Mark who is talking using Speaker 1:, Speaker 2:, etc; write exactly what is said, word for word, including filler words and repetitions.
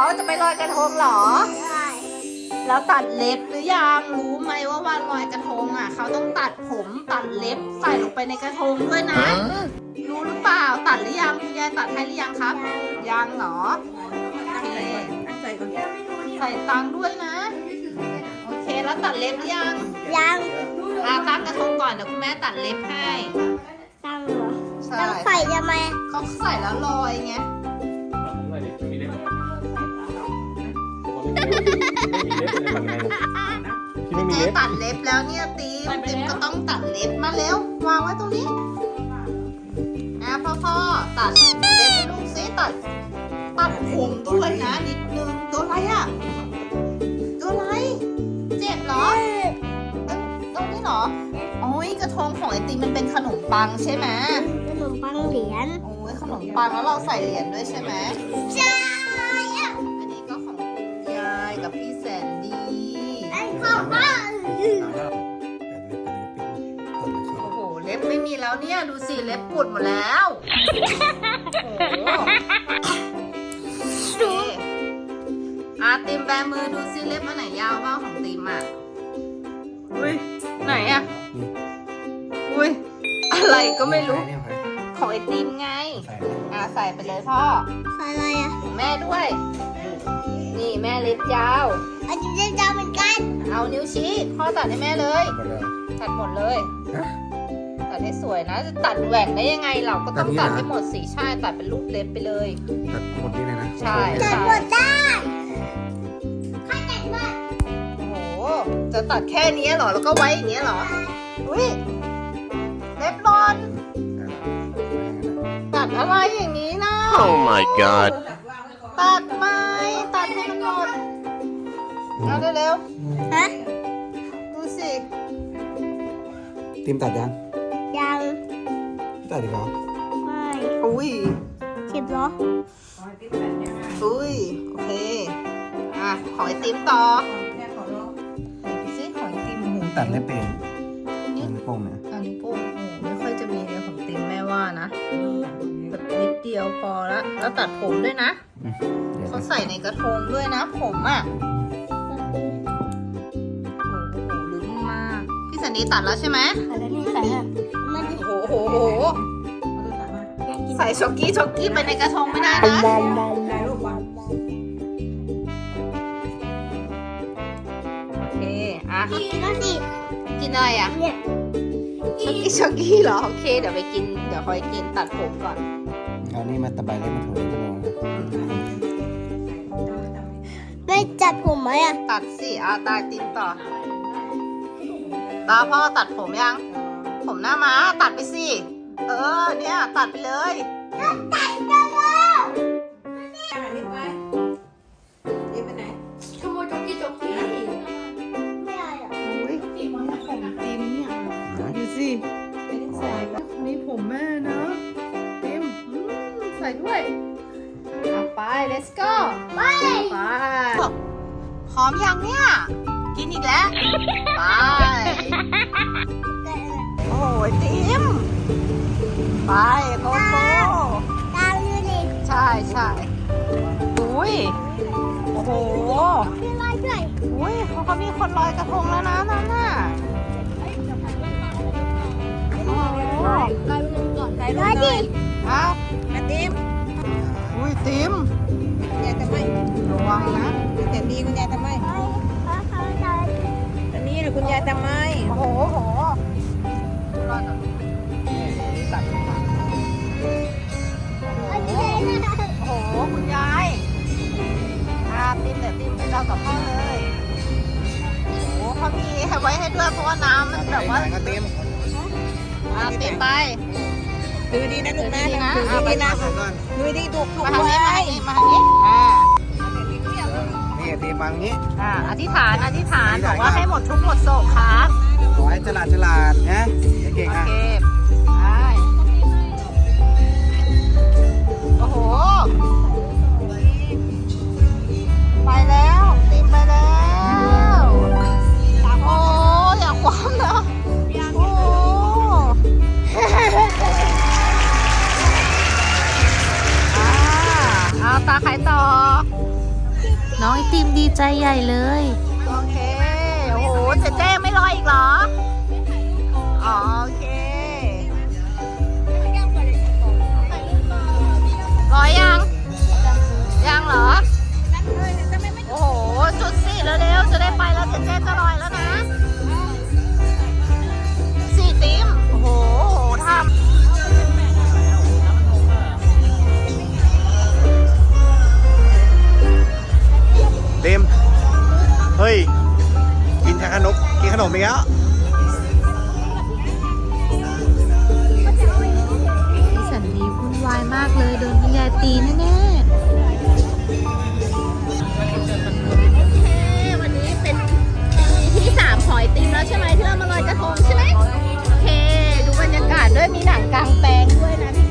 Speaker 1: จะไปลอยกระทงเหรอแล้วตัดเล็บหรือยังรู้ไหมว่าวันลอยกระทงอ่ะเขาต้องตัดผมตัดเล็บใส่ลงไปในกระทงด้วยนะรู้หรือเปล่าตัดหรือยังคุณยายตัดให้หรือยังครับยังเหรอโอเคใส่ตังค์ด้วยนะโอเคแล้วตัดเล็บหรือยัง
Speaker 2: ยัง
Speaker 1: อ่ะตั้งกระทงก่อนเดี๋ยวคุณแม่ตัดเล็บให้
Speaker 2: ตั้งเหรอ
Speaker 1: ใช่
Speaker 2: ต้องใส่ทำไม
Speaker 1: เขาใส่แล้วลอยไงเจ๊ตัดเล็บแล้วเนี่ยตีมตีมก็ต้องตัดเล็บมาเร็ววางไว้ตรงนี้นะพ่อพ่อตัดเล็บลูกซิตัดตัดผมด้วยนะนิดนึงตัวอะไรอ่ะตัวอะไรเจ็บเหรอตรงนี้เหรอโอ้ยกระทงของไอติมมันเป็นขนมปังใช่ไหม
Speaker 2: ขนมปังเหรียญ
Speaker 1: โอ้ยขนมปังแล้วเราใส่เหรียญด้วยใช่ไหม
Speaker 2: ใช่
Speaker 1: อันนี้ก็ของคุณยายกับพี่แสนดี
Speaker 2: ของป้า
Speaker 1: โอ้โหเล็บไม่มีแล้วเนี่ยดูสิเล็บปุดหมดแล้วโอ้โหดูอาติมแบมือดูสิเล็บอันไหนยาวบ้างของติมอ่ะอุ้ยไหนอ่ะอุ้ยอะไรก็ไม่รู้ของไอติมไงอ่ะใส่ไปเลยพ่อ
Speaker 2: ใส่อะไรอ่ะ
Speaker 1: ของแม่ด้วยนี่แม่เล็บยาว
Speaker 2: อันนี้เล็บยาวเหมือนกัน
Speaker 1: เอานิ้วชี้พ่อตัดให้แม่เลยตัดหมดเลยตัดให้สวยนะจะตัดแหว่งได้ยังไงเราก็ต้องตัดให้หมดสีใช่ตัดเป็นรูปเล็บไปเลย
Speaker 3: ตัดหมดนี่เลยนะ
Speaker 1: ใช่
Speaker 2: ตัดหมดได้ถ้าตัดหมด
Speaker 1: โอ้โหจะตัดแค่นี้เหรอแล้วก็ไว้อย่างนี้เหรออุ้ยเล็บรอนตัดอะไรอย่างนี้นะ
Speaker 4: Oh my god
Speaker 1: ตัดไหมตัดให้มันหมดเอาเร็ว
Speaker 2: ๆฮะ
Speaker 1: ดูสิ
Speaker 3: ติมตัดยัง
Speaker 2: ยัง
Speaker 3: ตัดอีกเหรอ
Speaker 2: ไม่
Speaker 1: อุ้ย
Speaker 2: เจ็บเหรอ
Speaker 1: อุ้ยโอเคอ่ะขอไอติมต่อดูสิขอไอติมหู
Speaker 3: ตัดไม่เป็นนิ้วโป้งเนี่ย
Speaker 1: อันนี้โป้งโอ้ไม่ค่อยจะมีเลยของติมแม่ว่านะแบบนิดเดียวพอละแล้วตัดผมด้วยนะเขาใส่ในกระทงด้วยนะผมอ่ะโอ้โหลุ้นมากพี่สันนีตัดแล้วใช่ไหม
Speaker 2: ตัดแล้วนี่ใส่อ่ะมัน
Speaker 1: โอ้โหใส่ช็อกกี้ช็อกกี้ไปในกระทงไม่ได้นะโอเคอ่ะ
Speaker 2: กินแล้วสิ
Speaker 1: กินอะไรอ่ะ
Speaker 2: เนี่ย
Speaker 1: ช็อกกี้ช็อกกี้เหรอโอเคเดี๋ยวไปกินเดี๋ยวคอยกินตัดผมก่อน
Speaker 3: เอานี่มาตะไบเล่นมาถูกเลย
Speaker 2: ไม่จัดผมไหมอ่ะ
Speaker 1: ตัดสิอาตาติมต่อตาพ่อตัดผมยังผมหน้าม้าตัดไปสิเออเนี่ยตัดไปเลย
Speaker 2: ตัดกันแล้ว
Speaker 1: นี่ไปไหนขโมยจ็อกกี้จ็อกกี้
Speaker 2: ไม่เอาหรอ
Speaker 1: โอ้ยนี่ผมติมเนี่ยดูสิใส่กับนี่ผมแม่นะติมใส่ด้วยไป let's go
Speaker 2: ไป
Speaker 1: ไปพร้อมยังเนี่ยกินอีกแล้วไปโอ้ยติมไปโกโก้
Speaker 2: ตามดูดิ
Speaker 1: ใช่ใช่อุ้ยโอ้โห
Speaker 2: พี่ลอยด้วย
Speaker 1: อุ้ยเขามีคนลอยกระทงแล้วนะนั่นน่ะโอ้ลอยลงก่อนลอยดิเอาติมอุ้ยติมคุณยายทำไมระวังนะเห็นดีคุณยายทำไมอันนี้หรือคุณยายทำไมโอ้โหโอ้โหรอดนี่ตัดโอ้โหคุณยายอ่าติมเดี๋ยวติมไปรอกับพ่อเลยโอ้โหเขามีให้ไว้ให้ด้วยเพราะว่าน้ำมันแบบว่า
Speaker 3: ติม
Speaker 1: อ่าติมไป
Speaker 3: ดูดีนะลูกนะ
Speaker 1: ดูดีนะ
Speaker 3: ดูดีถูกถูก
Speaker 1: มาทางนี้มาทางนี้มาทางนี้อ่า
Speaker 3: นี่ตีมังนี้
Speaker 1: อ่าอธิษฐานอธิษฐานบอกว่าให้หมดทุกหมดโศกครับ
Speaker 3: ขอให้ฉลาดฉลาดนะเก่งๆอ่ะ
Speaker 1: โอ้โหไปแล้วติมไปแล้วโอ้อย่าคว้ำนะโอ้เอาตาใครต่อ
Speaker 4: ใจใหญ่เลย
Speaker 1: โอเค โอ้โห เจ๊เจ๊ไม่รออีกเหรอ อ๋อ โอเค รอยัง ยังเหรอ โอ้โห จุดสิเร็วๆจะได้ไปแล้วเจ๊เจ๊จะลอยแล้วนะ สี่ติมโอ้โหทำ
Speaker 3: เต็มเฮ้ย กินขนมกินขนมอีกแล้ว
Speaker 4: พี่สันดีวุ่นวายมากเลยโดนคุณยายตีแน่ๆ
Speaker 1: โอเค วันนี้เป็นปีที่สามของไอติมแล้วใช่ไหมที่เรามาลอยกระทงใช่ไหมโอเค ดูบรรยากาศด้วยมีหนังกลางแปลงด้วยนะพี่